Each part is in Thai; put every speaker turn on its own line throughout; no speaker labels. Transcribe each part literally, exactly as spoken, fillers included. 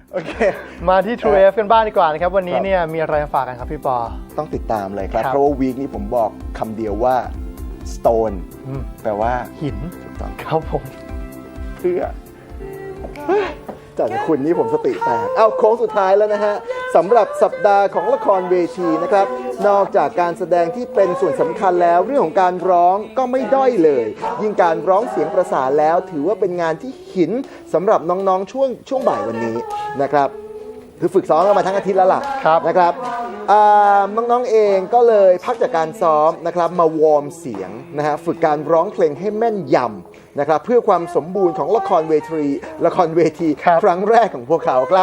โอเค
มาที่ True เอฟ กันบ้างดีกว่านะครับวันนี้เนี่ยมีอะไรมาฝากกันครับพี่ปอ
ต้องติดตามเลยครับเพราะว่าวีคนี้ผมบอกคำเดียวว่า stone แปลว่า
หิน
ถูกต้อง
ครับผม
เพื่อจากคุณนี่ผมสติแตกเอาโค้งสุดท้ายแล้วนะฮะสำหรับสัปดาห์ของละครเวทีนะครับนอกจากการแสดงที่เป็นส่วนสำคัญแล้วเรื่องของการร้องก็ไม่ด้อยเลยยิ่งการร้องเสียงประสานแล้วถือว่าเป็นงานที่หินสำหรับน้องๆช่วงช่วงบ่ายวันนี้นะครับคือฝึกซ้อมกันมาทั้งอาทิตย์แล้วล่ะนะครับน้องๆเองก็เลยพักจากการซ้อมนะครับมาวอร์มเสียงนะฮะฝึกการร้องเพลงให้แม่นยำนะครับเพื่อความสมบูรณ์ของละครเวทีละครเวทีครั้งแรกของพวกเขาครับ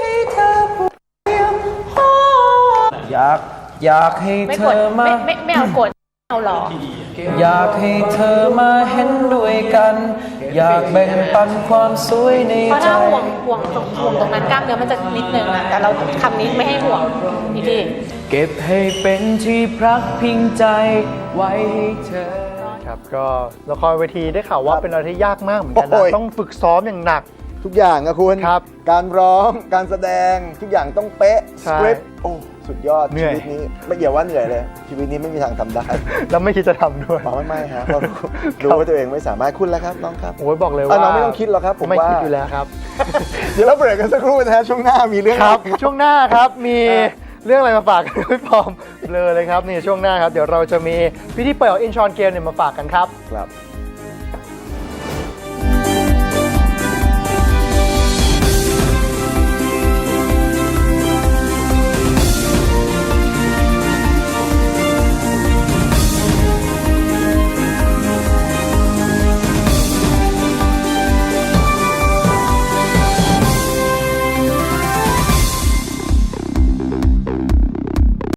อยากอยากให้เธอมา
ไม่ไม่ไม่เอากดเอาหรอ
อยากให้เธอมาเห็นด้วยกันอยากแบ่งปันความสวยในใจ
เพราะถ้าห่วงห่วงตรงห่วงตรงนั้นกล้ามเนื้อมันจะนิดนึงอะแต่เราคำนี้ไม่ให้ห่วงอีกที
เก็บให้เป็นที่พักพิงใจไว้ให้เธอ
ครับก็ละครเวทีได้ข่าวว่าเป็นอะไรที่ยากมากเหมือนกันนะต้องฝึกซ้อมอย่างหนัก
ทุกอย่างนะคุณการร้องการแสดงทุกอย่างต้องเป๊ะสคริปต์โอ้สุดยอดชีวิตนี้ไม่เกี่ยวว่าเหนื่อยเลยชีวิตนี้ไม่มีทางทำได้
แล้วไม่คิดจะทำด้วย
ไม่ไม่ฮะเรารู้ว่าตัวเองไม่สามารถคุณแล้วครับน้องครับ
โอ้ยบอกเลยว่า
น้องไม่ต้องคิดหรอกครับผม
ไม่คิดอยู่แล้วครับ
เดี๋ยวเราเบรกกันสักครู่นะฮะช่วงหน้ามีเรื่อง
ครับช่วงหน้าครับมีเรื่องอะไรมาฝากกันพี่ปอมเลยเลยครับนี่ช่วงหน้าครับเดี๋ยวเราจะมีพิธีเปิดอินชอนเกมเนี่ยมาฝากกันครับ
ครับ